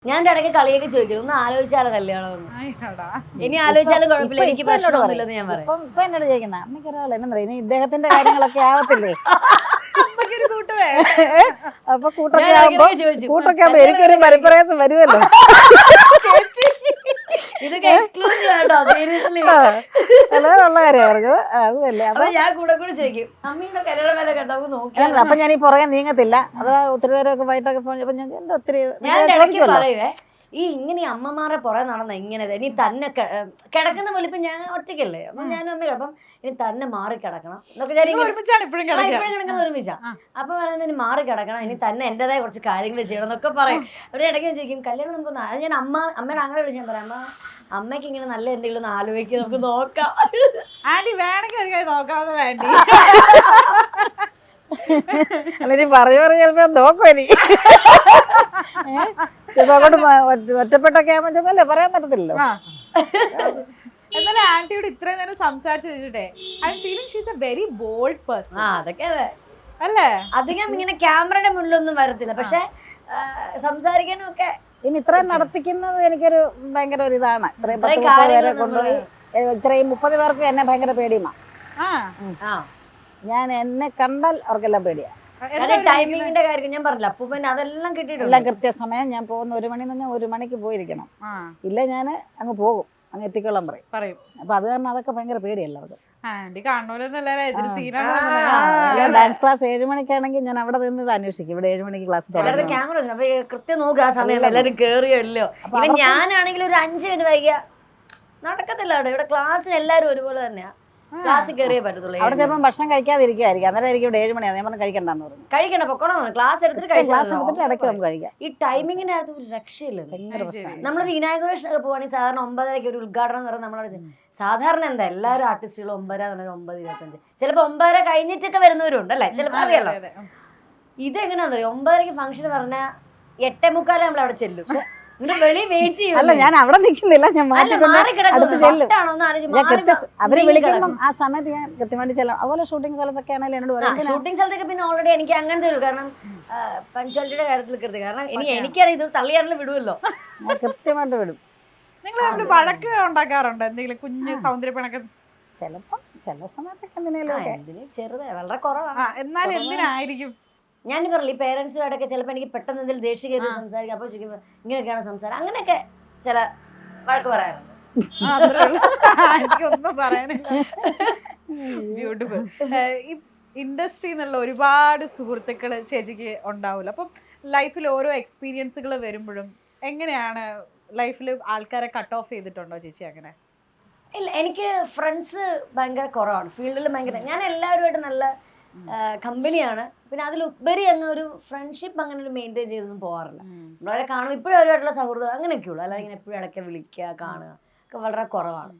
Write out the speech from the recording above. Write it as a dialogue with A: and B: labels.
A: ഞാൻ ഇടയ്ക്ക് കളിയൊക്കെ ചോദിക്കും ഒന്ന് ആലോചിച്ചാലോ കല്യാണം ഇനി ആലോചിച്ചാലും കുഴപ്പമില്ല എനിക്ക് പ്രശ്നമൊന്നുമില്ലെന്ന് ഞാൻ പറയാം.
B: ഇപ്പൊ എന്നോട് ചോദിക്കുന്ന അമ്മയ്ക്ക് ഒരാൾ എന്നാ പറയുന്നത് ഇദ്ദേഹത്തിന്റെ കാര്യങ്ങളൊക്കെ ആവത്തില്ലേ അപ്പൊ കൂട്ടൊക്കെ ആവുമ്പോ എനിക്കൊരു പരിപ്രയാസം വരുമല്ലോ.
A: ഇതൊക്കെ എക്സ്ക്ലൂസീവ് ആട്ടോ സീരിയസ്ലി
B: ഉള്ള കാര്യമായിരുന്നു അതല്ലേ.
A: അപ്പൊ ഞാൻ കൂടെ കൂടെ ചോദിക്കും അമ്മയുടെ കല്യാണം വരെ കേട്ടോ നോക്കി.
B: അപ്പൊ ഞാൻ ഈ പുറകെ നീങ്ങത്തില്ല. അത് ഒത്തിരി നേരമൊക്കെ വൈകിട്ടൊക്കെ പോയപ്പോ ഞാൻ എന്റെ ഒത്തിരി
A: ഞാൻ ഇടയ്ക്ക് പറയുവേ ഈ ഇങ്ങനെ അമ്മമാരെ പുറകെ നടന്ന ഇങ്ങനെ ഇനി തന്നെ കിടക്കുന്ന പോലെ ഇപ്പൊ ഞാൻ ഒറ്റയ്ക്കല്ലേ അപ്പൊ ഞാനും അമ്മ അപ്പം ഇനി തന്നെ മാറി കിടക്കണം എന്നൊക്കെ ഞാൻ ഇപ്പോഴും കിടക്കുന്ന ഒരുമിച്ചാ. അപ്പൊ പറയുന്നത് ഇനി മാറി കിടക്കണം ഇനി തന്നെ എന്റേതായ കുറച്ച് കാര്യങ്ങൾ ചെയ്യണം എന്നൊക്കെ പറയും. അവിടെ ഇടയ്ക്ക് ഞാൻ ചോദിക്കും കല്യാണം നമുക്കൊന്ന് അത് ഞാൻ അമ്മയുടെ അങ്ങനെ വിളിച്ച് ഞാൻ പറയാം അമ്മ അമ്മയ്ക്ക് ഇങ്ങനെ നല്ല എന്തെങ്കിലും ഒന്ന് ആലോചിക്കുക നമുക്ക് നോക്കാം.
C: ആന്റി വേണമെങ്കിൽ ഒരു കാര്യം നോക്കാവുന്ന ആന്റി
B: അല്ല നീ പറഞ്ഞു ചിലപ്പോ നോക്കും ഇനി അങ്ങോട്ട് ഒറ്റപ്പെട്ടൊക്കെ ആവുമ്പോ പറയാൻ പറ്റത്തില്ലല്ലോ.
C: എന്നാലും ആന്റിയോട് ഇത്രയും നേരം സംസാരിച്ചു വെച്ചിട്ടേ I feeling she is a very bold person.
A: അതൊക്കെ
C: അല്ലേ
A: അധികം ഇങ്ങനെ ക്യാമറയുടെ മുന്നിലൊന്നും വരത്തില്ല പക്ഷെ സംസാരിക്കാനും ഒക്കെ
B: ഇനി ഇത്രയും നടത്തിക്കുന്നത് എനിക്കൊരു ഭയങ്കര ഒരു ഇതാണ്. ഇത്രയും 10 പേരെ കൊണ്ടുപോയി ഇത്രയും 30 പേർക്ക് എന്നെ ഭയങ്കര പേടിയുമാ. ഞാൻ എന്നെ കണ്ടാൽ അവർക്കെല്ലാം പേടിയാ.
A: ടൈമിങ്ങിന്റെ കാര്യം ഞാൻ പറഞ്ഞില്ല അപ്പൂപ്പൻ അതെല്ലാം കിട്ടിയിട്ടുണ്ട്.
B: എല്ലാം കൃത്യസമയം ഞാൻ പോകുന്ന 1 മണി എന്ന് പറഞ്ഞാൽ 1 മണിക്ക് പോയിരിക്കണം. ഇല്ല ഞാൻ അങ്ങ് പോകും അങ്ങ് എത്തിക്കൊള്ളാൻ പറയും. അപ്പൊ അത് കാരണം അതൊക്കെ ഭയങ്കര പേടിയല്ല അവർക്ക്. ഡാൻസ് ക്ലാസ് 7 മണിക്കാണെങ്കിൽ ഞാൻ അവിടെ നിന്ന് ഇത് അന്വേഷിക്കും. ഇവിടെ 7 മണിക്ക് ക്ലാസ്
A: ക്യാമറ കൃത്യം നോക്കുക ആ സമയം എല്ലാവരും കേറിയല്ലോ. ഇവൻ ഞാനാണെങ്കിൽ ഒരു 5 മിനിറ്റ് വൈകിയ നടക്കത്തില്ല. അവിടെ ഇവിടെ ക്ലാസ്സിന് എല്ലാവരും ഒരുപോലെ തന്നെയാ ക്ലാസ്സിൽ കയറിയേ പറ്റത്തുള്ളൂ.
B: അവിടെ ചിലപ്പോൾ ഭക്ഷണം കഴിക്കാതിരിക്കുമായിരിക്കും. അന്നേരം ഇവിടെ 7 മണിയാണ് ഞാൻ പറഞ്ഞു കഴിക്കണ്ടെന്ന് പറഞ്ഞു.
A: കഴിക്കണ്ട പൊക്കോണം ക്ലാസ് എടുത്തിട്ട് കഴിച്ചാൽ
B: ഇടയ്ക്ക് നമുക്ക് കഴിക്കാം.
A: ഈ ടൈമിങ്ങിന്റെ അകത്ത് ഒരു രക്ഷയില്ല. നമ്മളൊരു ഇനാഗുറേഷൻ ഒക്കെ പോവാണെങ്കിൽ സാധാരണ 9:30 ഒരു ഉദ്ഘാടനം എന്ന് പറഞ്ഞാൽ നമ്മളവിടെ സാധാരണ എന്താ എല്ലാവരും ആർട്ടിസ്റ്റുകളും 9:00 9:25 ചിലപ്പോൾ 9:30 കഴിഞ്ഞിട്ടൊക്കെ വരുന്നവരുണ്ട് അല്ലേ ചിലപ്പോൾ അറിയാലോ. ഇതെങ്ങനെയാണെന്ന് അറിയാം 9:30 ഫംഗ്ഷൻ പറഞ്ഞാൽ 8:45 നമ്മൾ അവിടെ ചെല്ലും.
B: അല്ല ഞാൻ അവിടെ നിൽക്കുന്നില്ല. ഞാൻ അവര് വിളിക്കുമ്പം ആ സമയത്ത് ഞാൻ കൃത്യമായിട്ട് ചെല്ലാം. അതുപോലെ ഷൂട്ടിംഗ് സ്ഥലത്തൊക്കെ ആണെങ്കിലും എന്നോട് പറയും.
A: ഷൂട്ടിംഗ് സ്ഥലത്തൊക്കെ പിന്നെ ഓൾറെഡി എനിക്ക് അങ്ങനെ തരും. കാരണം പഞ്ച്വാലിറ്റിയുടെ കാര്യത്തിൽ കൃത്യം. കാരണം എനിക്കറിയാം ഇത് തള്ളിയാണെങ്കിലും വിടുമല്ലോ.
B: ഞാൻ കൃത്യമായിട്ട് വിടും.
C: നിങ്ങൾ വഴക്ക് ഉണ്ടാക്കാറുണ്ടോ എന്തെങ്കിലും കുഞ്ഞ് സൗന്ദര്യപ്പണൊക്കെ?
B: ചിലപ്പോ ചില സമയത്തൊക്കെ എന്തിനേലും
A: ചെറുതായി വളരെ കുറവാണ്.
C: എന്നാലും എന്തിനായിരിക്കും
A: ഞാൻ പറഞ്ഞില്ല ഈ പേരൻസുമായിട്ടൊക്കെ ചിലപ്പോൾ എനിക്ക് പെട്ടെന്ന് എന്തെങ്കിലും ദേഷ്യം കയറി സംസാരിക്കാം. അപ്പോൾ ചോദിക്കുമ്പോൾ ഇങ്ങനെയൊക്കെയാണ് സംസാരം അങ്ങനെയൊക്കെ ചില വഴക്ക് പറയാറുണ്ട്.
C: ഒന്നും പറയാനില്ല. ബ്യൂട്ടിഫുൾ. ഈ ഇൻഡസ്ട്രി എന്നുള്ള ഒരുപാട് സുഹൃത്തുക്കൾ ചേച്ചിക്ക് ഉണ്ടാവില്ല. അപ്പം ലൈഫിൽ ഓരോ എക്സ്പീരിയൻസുകൾ വരുമ്പോഴും എങ്ങനെയാണ് ലൈഫിൽ ആൾക്കാരെ കട്ട് ഓഫ് ചെയ്തിട്ടുണ്ടോ ചേച്ചി? അങ്ങനെ
A: ഇല്ല എനിക്ക് ഫ്രണ്ട്സ് ഭയങ്കര കുറവാണ്. ഫീൽഡിൽ ഭയങ്കര ഞാൻ എല്ലാവരുമായിട്ട് നല്ല കമ്പനിയാണ്. പിന്നെ അതിലുപരി അങ്ങ് ഒരു ഫ്രണ്ട്ഷിപ്പ് അങ്ങനെ ഒരു മെയിൻറ്റെയിൻ ചെയ്തൊന്നും പോകാറില്ല. നമ്മളവരെ കാണും ഇപ്പോഴും അവരുമായിട്ടുള്ള സൗഹൃദം അങ്ങനെയൊക്കെ ഉള്ളൂ. അല്ലാതെ ഇങ്ങനെ എപ്പോഴും ഇടയ്ക്ക് വിളിക്കുക കാണുക ഒക്കെ വളരെ കുറവാണ്.